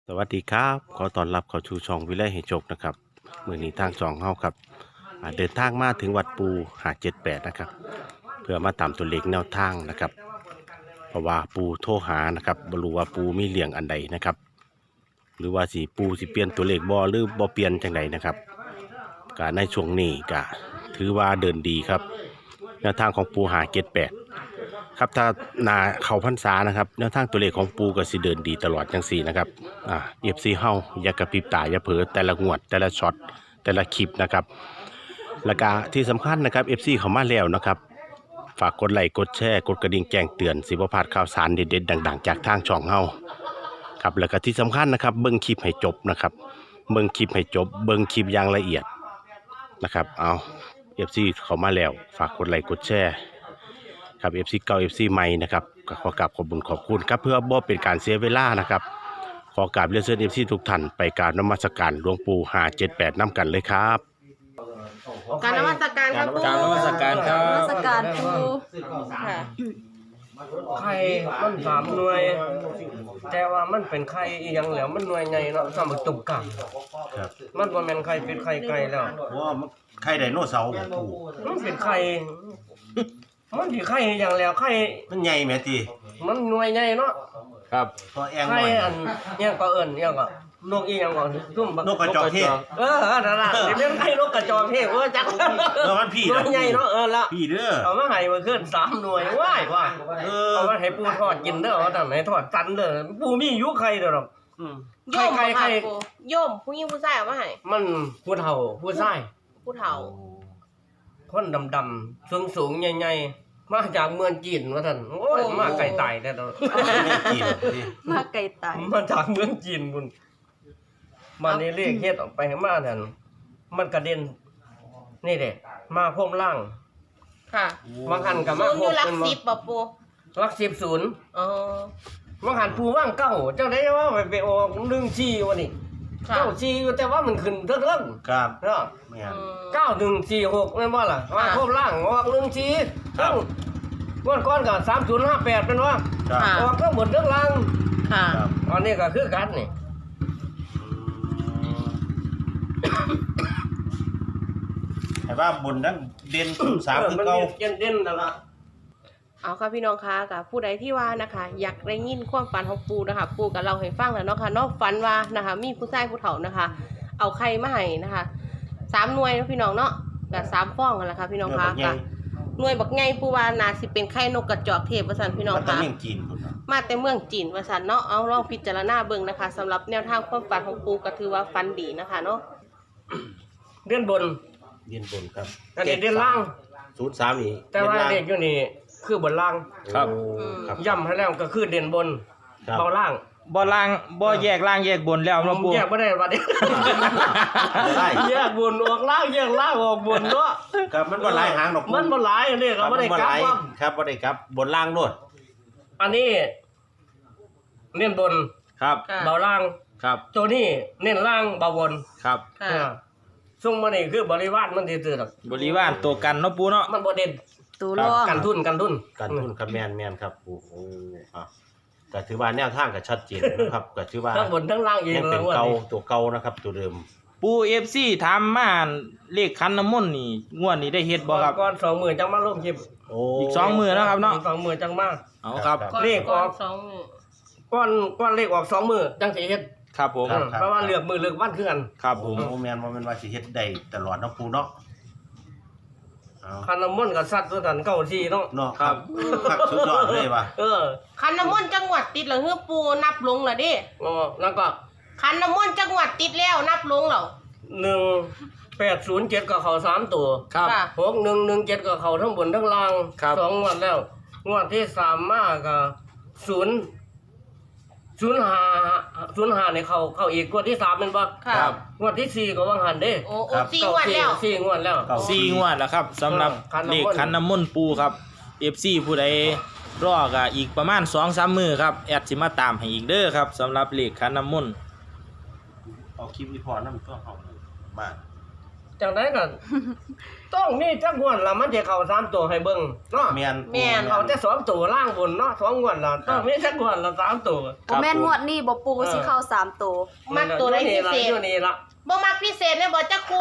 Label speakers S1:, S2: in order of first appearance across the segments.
S1: สวัสดีครับขอต้อนรับเข้าสู่ช่องวิไลให้โชคนะครับมื้อนี้ทางช่องเฮาครับเดินทางมาถึงวัดปู578นะครับเพื่อมาตามตัวเลขแนวทางนะครับเพราะว่าปูโทรหานะครับบ่รู้ว่าปูมีเลี้ยงอันใดนะครับหรือว่าสิปูสิเปลี่ยนตัวเลขบ่หรือบ่เปลี่ยนจังไดนะครับก็ในช่วงนี้ก็ถือว่าเดินดีครับแนวทางของปู578ครับถ้านาเข้าพรรษานะครับแนวทางตัวเลขของปูก็สิเดินดีตลอดจังสี่นะครับFC เฮาอย่ากระพริบตาอย่าเผลอแต่ละงวดแต่ละช็อตแต่ละคลิปนะครับแล้วก็ที่สำคัญนะครับ FC เข้ามาแล้วนะครับฝากกดไลค์กดแชร์กดกระดิ่งแจ้งเตือนสิบ่พลาดข่าวสารเด็ดๆดังๆจากทางช่องเฮาครับแล้วก็ที่สำคัญนะครับเบิ่งคลิปให้จบนะครับเบิ่งคลิปให้จบเบิ่งคลิปอย่างละเอียดนะครับเอา FC เข้ามาแล้วฝากกดไลค์กดแชร์ครับ FC เก่า FC ใหม่นะครับก็ขอกราบขอบคุณครับเพื่อบ่เป็นการเสียเวลานะครับขอกราบเรียนเชิญ FC ทุกท่านไปกราบนมัสการหลวงปู่578นำกันเลยครับ
S2: การนมัสการครับ
S3: กรารนมัสการครั
S2: นมั
S3: บ
S2: สการครูค่ะ
S4: ไข่มันสามหน่วย แต่ว่ามันเป็นไข่อีหยังแล้วมันหน่วยใหญ่เนาะสำหรับตุ่มกลาง
S1: ครับ
S4: มันบ่แม่นไข่เป็นไข่ไก่แล้ว
S1: ว่าไข่ไดโนเสาร์ปู่
S4: มันเป็นไข่มันสิไข่อีหยังแล้วไข่
S1: มันใหญ่แม่ติ
S4: มันหน่วยใหญ่เนาะ
S3: ครับ
S1: พอแอง
S4: ไข่
S1: น้อย
S4: อันอิหยังก็เอิ้นอิหยังก็นกอีหยังก็ซุ่มบั
S1: นกกระจอกเทศ
S4: นั่นล่ะสิเป็นไข่นกกระจอกเทศจัก
S1: แล้วมันพี่
S4: หน่วยใหญ่เนาะละ
S1: พี่เด้อ
S4: เอามาให้มาขึ้น3หน่วยว้ายว่า
S1: เออ
S4: เอามาให้ปูทอดกินเด้อเอาตั้งไหนทอดกันเด้อปูมีอยู่ไข่เด้อดอก
S2: โยมบ่ค่ะครูโยมผู้หญิงผู้ชายเอามาให้
S4: มันผู้เฒ่าผู้ชาย
S2: ผู้เฒ่า
S4: คนดำๆสูงๆใหญ่ๆมาจากเมืองจีนว่าท่านโอ้ยมาไกลตายแต่ดอก
S1: ไม่กินดิ
S2: มาไกลตาย
S4: มาจากเมืองจีนพุ่นมาในเลขเฮ็ดออกไปให้มานั่นมันกระเด็นนี่แหละมาพรมล่าง
S2: ค่ะ
S4: บางหันก็
S2: ศู
S4: มาน
S2: ย์
S4: พ
S2: อ
S4: ร
S2: ยู่
S4: ม
S2: หลัก
S4: เป็น
S2: สิบบ่ปู
S4: หลัก10
S2: อ๋อบ
S4: างหันปูว่างเก้าเจ้าได้ว่าไปออก14วันนี้
S2: ค่ะ
S4: เก้า4อยู่แต่ว่ามันขึ้นเทิง
S1: ครับ
S4: ๆเนาะ
S1: แม่น
S4: 9146แม่นบ่ล่ะมาพรมล่างออก14
S1: ครับ
S4: งวดก่อนก็3058เป็นว่า
S1: ครับ
S2: ค่ะ
S4: ออกทั้งหมดทั้งล่าง
S2: ค่ะ
S1: ครับ
S4: อันนี้ก็คือกันนี่
S1: ให้ว่าบนนั้นเด่น03คือเก่า
S4: มันเด่นๆนั่นล่ะ
S2: เอาค่ะพี่น้องคะกับผู้ใดที่ว่านะคะ อยากได้ยินความฝันของปูนะคะ ปูกับเราให้ฟังแล้วเนาะค่ะเนอกฝันว่านะคะ มีผู้ชายผู้เฒ่านะคะ เอาไข่มาให้นะคะ3หน่วยเนาะพี่น้องเนาะกับ3ฟองกันแหละค่ะพี่น้องคะกับหน่วยบักไงปูว่าน่าสิเป็นไข่นกกระจอกเทพว่าซั่นพี่น้อง
S1: มันต้อง
S2: คะ
S1: เลี้ยงจีนพุ่นเนาะ
S2: มาแต่เมืองจีนว่าซั่นเนาะเอาลองพิจารณาเบิ่งนะคะสำหรับแนวทางความฝันของปูก็ถือว่าฝันดีนะคะเนาะ
S4: เด่นบน
S1: เรียนบนครับ
S4: อันนี้เด่นล่าง
S1: 03นี่
S4: แต่ว่าเด็กอยู่นี่คือบนล่าง
S3: ครับ
S1: โอ้ครับ
S4: ย่ำให้แล้วก็คือเด่นบน
S1: ครับ
S4: เบาล่าง
S3: บ่ล่างบ่แยกล่างแยกบนแล้ว
S4: ผ
S3: เนาะ
S4: ม
S3: ปู่
S4: แยกไม่ได้บัดนี้
S1: ได้
S4: แยกบนออกล่างแยกล่างออกบนเนาะ
S1: ครับมันบ่หลายหางดอก
S4: มันบ่หลายอันนี้ก็บ่ได้กลับว่า
S1: ครับบ่ได้กลับบนล่างโลด
S4: อันนี้เน้นบน
S3: ครับ
S2: ค่ะ
S4: เบาล่าง
S3: ครับ
S4: ตัวนี้เน้นล่างเบาบน
S3: ครับ
S2: ค่ะ
S4: ซุ่มมานี่คือบริวารมันซื่อๆดอก
S3: บริวารตัวกันเนาะปู่เนาะ
S4: มันบ่เด่น
S2: ตูร่อง
S4: กันทุน
S1: การทุนครับแม่นครับโอ้โหก็ถือว่าแนวทางก็ชัดเจนนะครับก็ถือว่า
S4: ทั้งบนทั้งล่างเอง
S1: ยัง
S4: เล
S1: เป็
S4: ย
S1: น
S4: ว่า
S1: เก่าตัวเก่านะครับตัวเดิม
S3: ปู่ FC ถามมาเลขคันน้ำมนต์นี่งวดนี้ได้เฮ็ดบ่ครับ
S4: ก่อน20,000จังมาลงคลิป
S1: โอ้
S3: อีก2มื้อนะครับเนาะ
S4: 20,000จังมา
S3: เอาครับ
S1: ครับ
S4: เลขออก
S2: สองมื้อ
S4: ก้อนเลขออก20,000จังสิเฮ็ด
S3: ครับผม
S1: ครับ
S4: เพราะว่าเลือกมือเลือกวันคือกัน
S3: ครับผม
S1: โอ้แม่นบ่แม่นว่าสิเฮ็ดได้ตลอดเนาะปูเนาะเอา
S4: คันน้ำมนต์ก็ซัดตัวกัน94เนาะ
S1: เนาะครับครับสุดยอดเลยว่ะ
S2: คันน้ำมนต์จังหวัดติดแล้วเฮือปูนับลงแล้วเดิ
S4: แล้วก็
S2: คันน้ำมนต์จังหวัดติดแล้วนับลงแล้ว
S4: 1807ก็เข้า3ตัว
S3: ครับ
S2: ค่ะ
S4: 6117ก็เข้าทั้งบนทั้งล่าง
S3: ครับ
S4: 2งวดแล้วงวดที่3มาก็05นี่เข้าอีกงวดที่3แม่นบ่
S2: ค่ะ
S3: ครับ
S4: งวดที่4ก็ว่างหันเด้
S2: โอ้โอ้4งวดแล้ว
S4: สี่งวดแล้ว
S3: 4งวดแล้วครับสำหรับ
S4: คันน้ำมนต์
S3: เลขคันน้ำมนต์ปู่ครับ FC ผู้ใดรอก็อีกประมาณ 2-3 มื้อครับแอดสิมาตามให้อีกเด้อครับสำหรับเลขคันน้ำมนต์
S1: เอาคลิปอีพอนำตัวเฮาบ้าน
S4: จังได๋ก็ต้องมีจักงวดละมันจะเข้า3ตัวให้เบิ่งเนาะ
S1: แม่น
S2: แม่น
S4: เข้าแต่2ตัวล่างบนเนาะ2งวดละต้องมีจักงวดละ3ตัว
S5: บ่แม่นงวดนี้บ่ปูสิเข้า3ตัว
S2: มักตัวใดพิเศษ
S4: อยู่นี่ละ
S2: บ่มักพิเศษเนี่ยบ่จักครู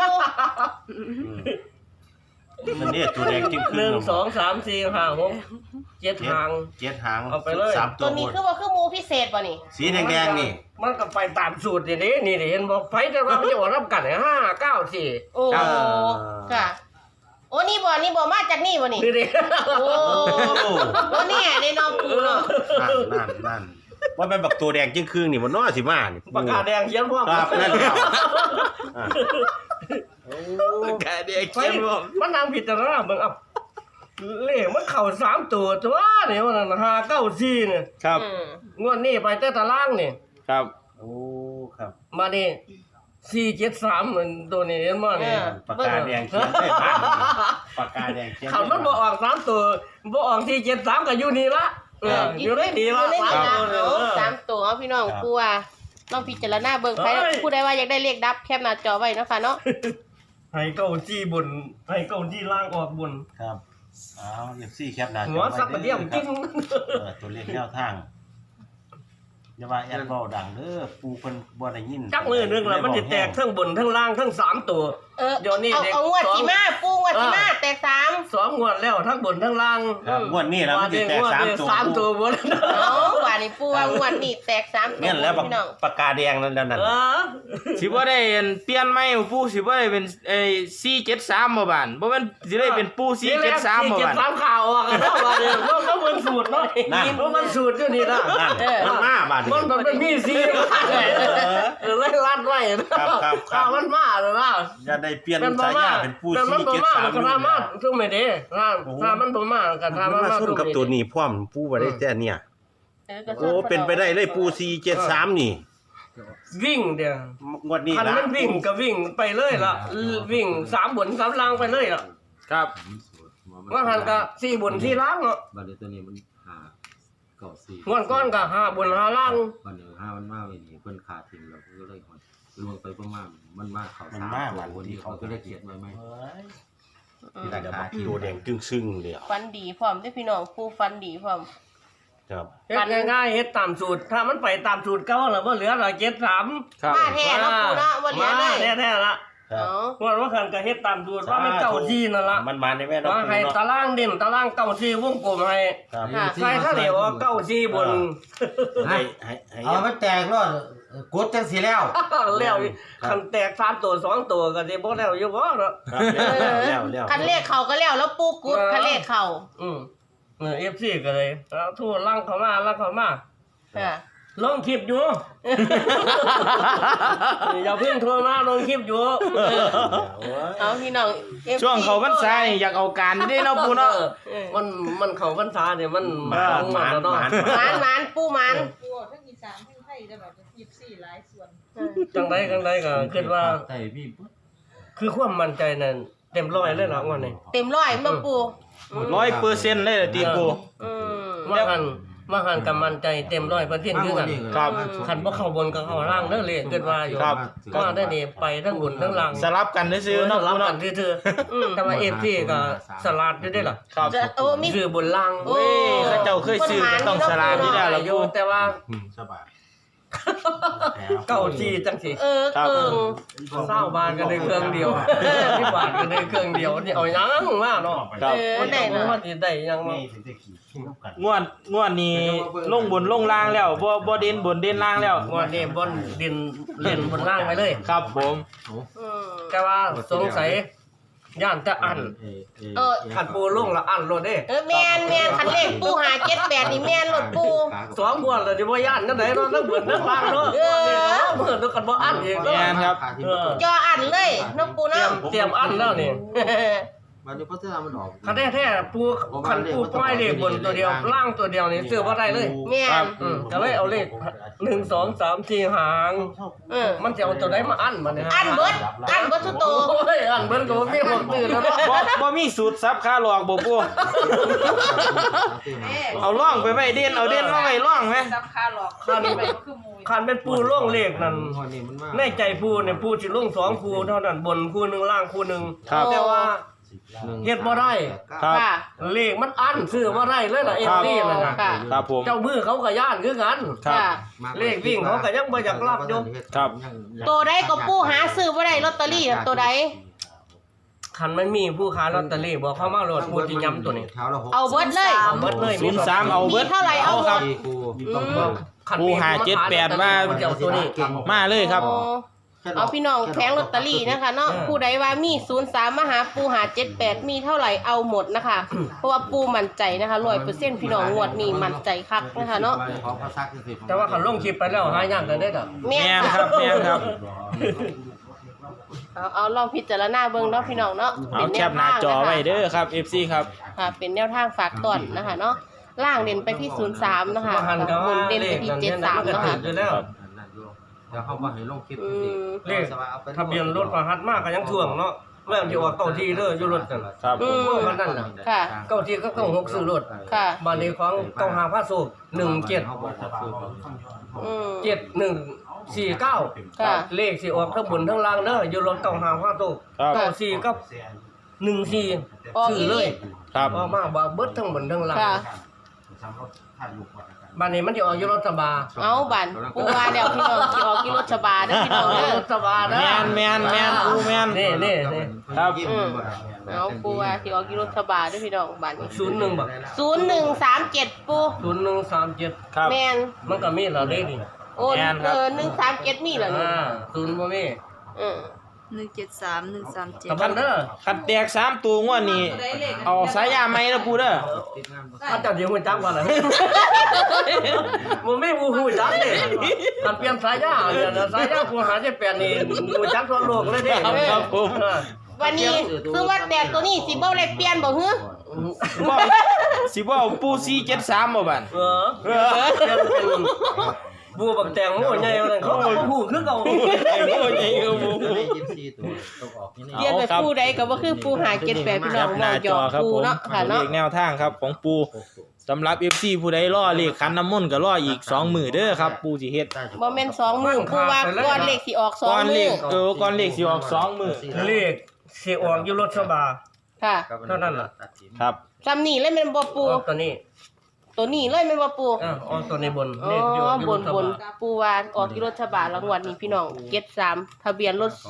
S1: มันเนี่ยตัวแดงจิ้งครึ่ง
S4: 1 2 3 4 5 6 7หาง
S1: เจ็ดหาง
S4: เอาไปเลย
S1: สามตั
S2: ตัว วนี้
S1: บน
S2: คือบ่คือหมูพิเศษบ่นี่
S1: สีแดงๆนี่
S4: มันก็ไปตามสูตรนี่นี่เห็นบ่ไผแต่ว่ามันจะออกรับกัน5 9 4
S2: โอ้ค่ะ โอ้นี่บ่มาจากนี่บ่นี่
S4: นี่ดิ
S2: โอ้โอ้เนี่ยในน้องปูเนาะ
S1: นั่นว่าเป็นบักตัวแดงจิ้งครึ่งนี่มันน้อสิมานี่
S4: ปากกาแดงเขียนพร้อม
S1: ครับนั่นแล้วอ่า
S3: กาเด็ก
S4: ไปมันนางผิดแต่ละเบิ่งเอาเลขมันเข้า3ตัวตัวนี่มัน5 9 4เนี่ย
S3: ครับ
S2: อืม
S4: งวดนี้ไปแต่ตารางนี่
S3: ครับ
S1: โอ้ครับ
S4: มานี่473มันตัวนี้เห็นบ่นี่
S1: ปากกาแดงเขียนได้บ้านปากกาแดงเขียน
S4: คันมันบ่ออก3ตัวบ่ออก473ก็อยู่นี่ละอยู่ได้ดีละ
S2: อยู่ในนี่
S4: 3
S2: นะ
S4: ตัว
S2: เอาสามตัวเอาพี่น้องปูว่าลองพิจารณาเบิ่งใครผู้ใดว่าอยากได้เลขดับแคปหน้าจอไว้เนาะค่ะเนาะ
S4: ให้เก้าจี้บนให้เก้าจี้ล่างออกบน
S1: ครับอ้าวFC แคปหน้าจอ
S4: หัวสักกระเดี่ยมกิ้ง
S1: ตัวเลขแนวทางอย่าว่าแอดเว้าดังเด้อปูเพิ่นบ่ได้ยิน
S4: จักมือนึงแล้วมันจะแตกทั้งบนทั้งล่างทั้ง3ตัว เดี๋ยวนี้
S2: เอา
S4: เด็ก
S2: เอางวด
S4: สอง
S2: สิมาปูงวดสิมาแตก3
S4: 2งวดแล้วทั้งบนทั้งล่าง
S1: ครับงวดนี้แล้วมันสิแตก3ตัว
S4: 3ตัวบน
S2: เอาว่านี่ปูว่างวดนี้แตก3ตัว
S1: แม่นแล้ว
S2: พี่น้อง
S1: ปากกาแดงนั่น
S3: สิบ่ได้เปลี่ยนใหม่ปูสิบ่ได้เป็น473บ่บานบ่แม่นสิได้เป็นปู473บ่บาน
S4: 473ข่าวออกกันแล้วว่าเนี่ยมันเหมือนสูตรเนาะมันสูตรอยู่นี่ล่ะ
S1: นั่นมันมาบาดนี้
S4: มันเป็นมีซีไล่ลัดไว้นะครับมันมาแล้วนะ
S1: อย่าได้เปลี่ยนสายยาเป็นปู
S4: แต่มันบ่มาก็ถ้ามาซุ่มไม่ได้ถ้ามันบ่มาก็ถ้า
S1: มั
S4: มัน น
S1: มา
S4: มา
S1: ซุ่ม
S4: ซุ่ม
S1: กับตัวนี้พร้อมปูบ่ได้แต่เนี่ย โอ้เป็นไปได้เลยปู473นี่
S4: วิ่งเดี๋ยว
S1: งวดนี้
S4: คัน
S1: นะ
S4: มันวิ่งก็วิ่งไปเลยล่ะวิ่ง3บน3ล่างไปเลยล่ะ
S3: ครับ
S4: ว่าหันก็4บน4ล่างเนาะ
S6: บัดนี้ตัวนี้มันหาเก่าสี่
S4: งวดก้อนก็5บน5ล่าง
S6: บัดนี้ห้ามันมากเลยนี่เพิ่นขาดทิ้งแล้วเพิ่นก็เลยหดลวงไปประมาณมันมากเขา
S1: มัน
S6: สาม
S1: มา
S6: ตัว
S1: วัน
S6: คน
S1: ที่
S6: ที่
S1: เขา
S6: เขาก็ได้เขียนไว้ไหม
S1: นี่แหละบักตัวแดงจึงซึ่งเดียว
S2: ฟันดีพร้อมเด้อพี่น้องปูฟันดีพร้อม
S1: ครับ
S4: เฮ็ดง่ายๆเฮ็ดตามสูตรถ้ามันไปตามสูตรเก่าแล้วบ่เหลือละ73
S3: ครับ
S2: มาแท้เนาะปูเนาะวันเหลือเลย
S4: แท้ๆละ
S1: ครับ
S2: เนาะ
S4: ว่าคันก็เฮ็ดตามสูตรว่ามันเก่าที่นั่นล่ะ
S1: มันมาในแม่น้อง
S4: ว่า
S1: ปู
S4: ให้
S1: เนาะ
S4: ตารางเด่นตารางเก่าที่วงกลมให้
S1: ครับ
S2: ค่ะ
S4: ใส่ข้าวเหนียวเก้าซี่บน
S1: ให้
S6: เอามันแตกรอดกดจังสีแล้ว
S4: แล้วคันแตก3ตัว2ตัวก็สิบ่แล้วอยู่บ่เนาะ
S1: ครับแล้ว
S2: คันเลขเขาก็แล้วแล้วปูกุดคันเลขเขา
S4: FC ก็เลยเอาทั่วลังเข้ามา
S2: ค่ะ
S4: ลงคลิปอยู่ อย่าเพิ่งโทรมาลงคลิปอยู่
S2: เอาพี่น้อง FC
S3: ช่วงเขาพรรษานี่อยากเอาการได้เนาะปูเนาะ
S4: มันเข้าพรรษาเนี่ยมัน
S1: หมาน
S4: แล้วเนาะ
S2: หมานปูหมาน
S7: ปูออกทั้งอีสานทั้งไทยได้แบบ24หลายส่วน
S4: จังไดก็คิดว่า
S6: แต่พี่ปุ๊บ
S4: คือความมั่นใจนั่นเต็มร้อยเลยล่ะวันนี้
S2: เต็มร้อยเบิ่งปู
S3: 100%เลยล่ะติปู
S2: อืม
S4: ว่าหันกับมั่นใจเต็ม100%คือกัน
S3: ครับ
S4: คันบ่เข้าบนก็เข้าล่างเด้อเลยเกิดว่าอยู่
S3: ครับ
S4: ว่าได้นี่ไปทั้งบนทั้งล่าง
S3: สลับกันซื่อๆเนาะ
S4: รั
S3: ปู
S4: บกั
S3: เนาะ
S4: นซื่อๆแต่ว่า FT ก็สลัดอยู่ได้ล่ะ
S3: ครับ
S2: จะโอ้มี
S4: ซื้อบนล่าง
S2: โอ้
S3: เขาเจ้าเคยซื้อก็ต้องสลากนี่แล้วล่ะ
S4: อยู่
S3: ปู
S4: แต่ว่า
S1: สบาย
S4: เก้าที่จังสิ
S2: เออ
S3: ครับ
S2: เกิง
S4: 20บาทก็ได้เครื่องเดียว10บาทก็ได้เครื่องเดียวนี่เอาหยังมาเนาะ
S3: ครับ
S2: มันได้
S4: บ่
S2: เนาะ
S4: ว่าสิได้หยังมา
S1: นี่ถึงจะขี่กัน
S3: งวดนี้ลงบนลงล่างแล้วบ่เด่นบนเด่นล่างแล้ว
S4: ว่านี่บนดินเล่นบนล่างไปเลย
S3: ครับผม
S2: อืม
S4: แต่ว่าสงสัยย่านจะอัน ขันปูลุ่งละอันรถเด้
S2: แม่นคันเลขปู578นี่แม่นรถปู
S4: 2บวดเลยที่บ่ย่านนั่นไหนเนาะทั้งเบิดทั้งล่างเนาะเบิดแล้วกันบ่อันอีก
S3: แม่นครับ
S2: จออันเลยเนาะปู
S4: เตรีย
S2: เนาะ
S4: มอันแล้วนี่
S6: บัดนี้พัฒนามันออก
S4: คันแท้ๆปูคันปูปล่อยเลขบนตัวเดียวล่างตัวเดียวนี่ซื้อบ่ได้เลย
S2: แม่น
S4: ก็เลยเอาเลข1 2 3 4หาง มันจะเอาตัวไหนมาอั้นมันเนี่ย
S2: อันเบิดสุดโต
S4: โอ้ยอั้นเบิดก็บ่มีหมดตื่นแล้วเนาะ
S3: บ่มีสูตรซับค่าหลอกบ่ปู่เอาล่องไปไว้เด่นเอาเด่นมาไว้ล่องไหม
S7: ซับคาหลอกคันไปคือหมู
S4: คันเป็นปูล่องเลขนั่น
S6: หอยนี่มันมา
S4: ในใจปูเนี่ยปูสิลง2คู่เท่านั้นบนคู่หนึงล่างคู่หนึง
S3: ครับ
S4: แต่ว่า เฮ็ดบ่ได้
S3: ครับ
S2: ค่ะ
S4: เลขมันอั้นซื้อบ่ได้เลยล่ะ FD นั่นน่ะ
S2: ค่ะ
S3: ครับผม
S4: เจ้ามือเขาก็ย่านคือกัน
S3: ครับ
S2: ค่ะ
S4: เลขวิ่งเขาก็ยังบ่อยากรับอยู่
S3: ครับ
S2: ตัวใดก็ปูหาซื้อบ่ได้ลอตเตอรี่น่ะตัวใด
S4: คันมันมีผู้ค้าลอตเตอรี่บอกเข้ามาโหลดปูสิย้ำตัวนี้
S2: เอาเบิดเลย
S4: เอาเบิดเลย
S3: 03เอาเบิด
S2: มีเท่าไหร่เอาหมด
S3: ครับ
S4: คัน
S3: ปู
S4: มี
S3: หา
S4: ผู้ค้
S3: 78ว่า
S4: มันจะเอาตัวนี้
S3: มาเลยครับ
S2: โอ้เอาพี่น้องแผงลอตเตอรี่นะคะเนาะผู้ใดว่ามี03มาหาปูหา78มีเท่าไหร่เอาหมดนะคะ เพราะว่าปูมั่นใจนะคะ100%พี่น้องงวดนี้มั่นใจคักนะคะเนาะ
S4: แต่ว่าคันลงคลิปไปแล้วหายากกันได้ดอก
S2: แม่
S3: แม่น
S2: น
S3: ครับแม่นครับ
S2: เอาลองพิจารณาเบิ่งเนาะพี่น้องเนาะ
S3: เอาแคปหน้าจอไว้เด้อครับ FC ครับ
S2: ค่ะเป็นแนวทางฝากต้อนนะคะเนาะล่างเด่นไปที่03นะคะ
S4: มาหันก็
S2: บ
S4: ว่าน
S2: เด่น
S4: เล
S2: ไป
S4: ข
S2: ที่
S4: นั้นเนี่ยมันก็
S2: 73นะ
S4: ถื
S2: คะ
S4: ออยู่แล้ว
S6: เดี๋ยวเขามาให้ลงคลิป
S2: อืม
S4: เลขทะเบียนรถประหัดมากก็ยังท่วงเนาะแม่นสิออกเก้าที่เด้ออยู่รถนั่น
S3: ครับ
S2: อืม
S4: พวกมันนั่นน่ะ
S2: ค่ะ
S4: เก้าที่ก็ต้อง6ซื้อรถ
S2: ค่ะ
S4: บ้านเลขของเก้าหาพระสูบ17
S6: เขาบอกว่าซื้อ
S2: อืม
S4: 7149
S2: ค่ะ
S4: เลขสิออกทั้งบนทั้งล่างเด้ออยู่รถเก้าหาพระสูบ
S3: ครับ
S4: 94กับ14
S2: ออก
S4: ซื้
S2: อี
S4: อเลย
S3: ครับ
S4: ออกมาบ่เบิดทั้งบนทั้งล่าง
S2: ค่ะ
S4: บ้านนี้มันจะออกอยู่รถสบา
S2: เอาบันปูว่าเดี๋ยวพี่น้องสิออกกี่รถชบาเด้อพี่น้องเด้อ
S4: รถสบานะ
S3: แม่นปูแม่น
S4: นี่
S3: ครับ
S2: เอาปูว่าสิออกกี่รถชบาเด้อพี่น้องบัดนี้
S4: 01บัก
S2: 0137ปู
S4: 0137
S3: ครับ
S2: แม่น
S4: มันก็มีแล้วเด้นี่
S2: โอ้
S3: แม่นครับ
S2: 137มีเหรอนี่
S4: 0บ่มี
S2: อือ
S5: 173
S4: กับ
S5: 137
S4: พันเด้อ
S3: คันแตก3ตัวงวดนี้เอาสายยาไหมนะปูเด้อ
S4: ถ้าเจ้าเดี๋ยวฮู้จักว่าล่ะบ่มีผู้ฮู้จักเด้มันเปลี่ยนสายยาเนี่ยนะสายยาผู้หาได้8นี่ฮู้จักทั่วโลกเลยเด้
S3: ครับผม
S2: วันนี้ซื้อว่าแตกตัวนี้สิบ่ได้เปลี่ยนบ่ฮึ
S3: สิบ่เอาปู473บ่บัด
S4: เออเป็นผู้บักแตงโมใหญ่ว่านั่นเขาเอาผู้คือเก่า
S3: ไอ้โง่ใหญ่ก็บ่
S6: ได้ยินซีตัวต้องออกนี่
S2: เปลี่ยนไปปูใดก็บ่คือปูหา78พี่น้อง
S3: ห
S2: บ่
S3: น้า
S2: หย
S3: จ
S2: อ
S3: อก ครับ
S2: ปู
S3: ผม
S2: เนาะค่ะ
S3: เล
S2: เนาะ
S3: ขแนวทางครับของปูสำหรับ FC ผู้ใดรอเลขคันน้ำมนต์ก็รออีก2มื้อเด้อครับปูสิเฮ็ด
S2: บ่แม่น2มื้อปูว่าก่อนเลขสิออก
S3: ก่อน
S2: 2
S3: เล
S2: มื้อ
S3: ขก่อนเลขสิออก2มื้อ
S4: เลขสิออกอยู่รถสบา
S2: ค่ะ
S4: เท่านั้นล่ะ
S3: ครับ
S2: จำนี่เลยแม่นบ่ปู
S4: ออกตัวนี้
S2: ตัวนี้เลยแม่นบ่ปู
S4: ออกตัวในบน
S2: อ๋
S4: เลขอยู่
S2: อ
S4: อยู่
S2: บ
S4: ร
S2: น
S4: ถส
S2: บน
S4: บา
S2: ปูว่าออกที่รถฉบาแล้วงวดนี้พี่น้องเก็ต3ทะเบียนรถ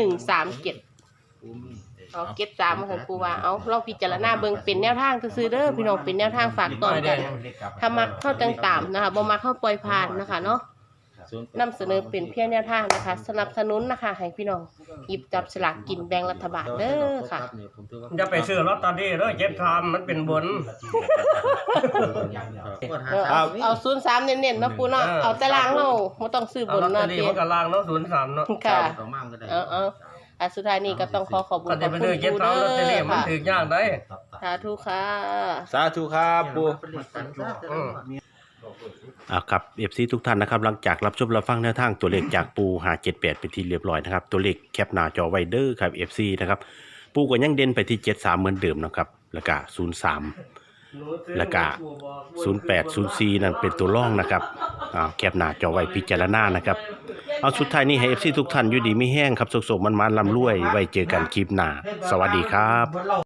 S2: 0137เอาเก็ต3มาซั่นปูว่าเอาลองพิจารณาเบิ่งเป็นแนวทางซื่อๆเด้อพี่น้องเป็นแนวทางฝากตอนกันถ้ามักเข้าจังตามนะคะบ่มักเข้าปล่อยผ่านนะคะเนาะนำเสนอเป็นเพียงแนวทางนะคะ สนับสนุนนะคะให้พี่น้องหยิบจับสลากกินแบ่งรัฐบาลเด้อค่ะ
S4: อย่าไปซื้อลอตเตอรี่เด้อ73มันเป็นบน
S2: เอา03เน้นๆเนาะปูเนาะเอาแต่ล่างเฮาบ่ต้องซื้อบ
S4: เอา
S2: น
S4: ลอตเตอ
S2: เนาะ
S4: รี่
S2: เด้
S4: มันก็ล่างเนาะ03เนาะ
S2: ค่ะ
S6: ต่อมากก็ได้
S2: เอาสุดท้ายนี้ก็ต้องขอขอบคุณ
S4: ก็
S2: ข
S4: จะ
S2: อบ
S4: ไป
S2: คุณ
S4: ซื้อ
S2: ปู
S4: 73ลอตเตอรี่
S2: เด้อ
S4: มัน
S2: ค่ะ
S4: ถึกยากได้
S2: สาธุค่ะ
S3: สาธุครับปู
S1: ครับ FC ทุกท่านนะครับหลังจากรับชมรับฟังแนวทางตัวเลขจากปูหา78เป็นที่เรียบร้อยนะครับตัวเลขแคปหน้าจอไว้เด้อครับ FC นะครับปูก็ยังเด่นไปที่73เหมือนเดิมนะครับแล้วก็03แล้วก็0804นั่นเป็นตัวร่องนะครับแคปหน้าจอไว้พิจารณานะครับเอาสุดท้ายนี้ให้ FC ทุกท่านอยู่ดีมีแห้งครับสุขๆมันๆร่ำรวยไว้เจอกันคลิปหน้าสวัสดีครับ